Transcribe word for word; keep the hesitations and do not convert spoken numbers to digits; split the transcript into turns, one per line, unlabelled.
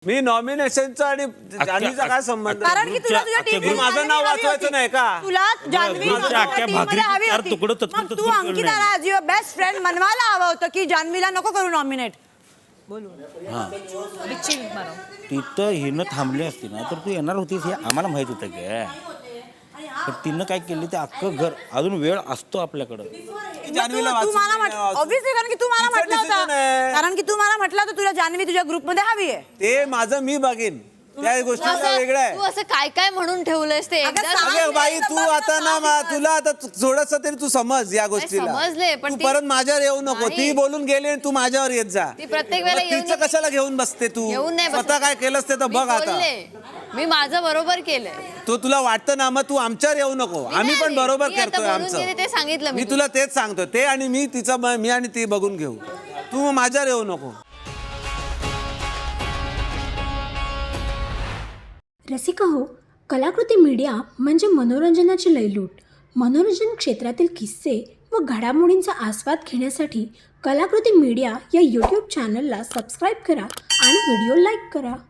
मी नॉमिनेशनचा आणि जान्हवीचा काय संबंध?
कारण की तुला तुझ्या टीम
माझं नाव वाचवायचं नाही का?
तुला जान्हवी तू अंकिताला ॲज युअर बेस्ट फ्रेंड मनवायला हवं होतं की जान्हवीला नको करू नॉमिनेट.
तिथं हिनं थांबली असती ना तर तू येणार होतीस हे आम्हाला माहित होतं की, पण तिनं काय केली ते अख्खं घर अजून वेळ असतो आपल्याकडं.
ऑब्व्हियसली कारण की तू मला म्हटलं होतं कारण की तू मला म्हटलं होतं तुला जान्हवी तुझ्या ग्रुपमध्ये हवी आहे.
ते माझं मी बघीन, त्या गोष्टीचं वेगळं आहे.
तू असं काय काय म्हणून ठेवलंयस ते
अगं बाई तू आता ना तुला आता थोडस तरी तू समज या गोष्टीला.
समजले पण
तू परत माझ्यावर येऊ नको. ती बोलून गेली आणि तू माझ्यावर येत जा.
ती प्रत्येक वेळेला
तिचं कशाला घेऊन बसते तू? स्वतः काय केलंस ते तर बघ आता.
मी माझं बरोबर केलंय.
तो तुला वाटतं ना मग तू आमच्यावर येऊ नको. आम्ही पण बरोबर करतोय आमचं.
ते सांगितलं
मी तुला तेच सांगतो. ते आणि मी तिचं मी आणि ती बघून घेऊ. तू मग माझ्यावर येऊ नको.
रसिका हो, कलाकृती मीडिया म्हणजे मनोरंजनाची लयलूट. मनोरंजन क्षेत्रातील किस्से व घडामोडींचा आस्वाद घेण्यासाठी कलाकृती मीडिया या यूट्यूब चॅनलला सबस्क्राईब करा आणि व्हिडिओ लाईक करा.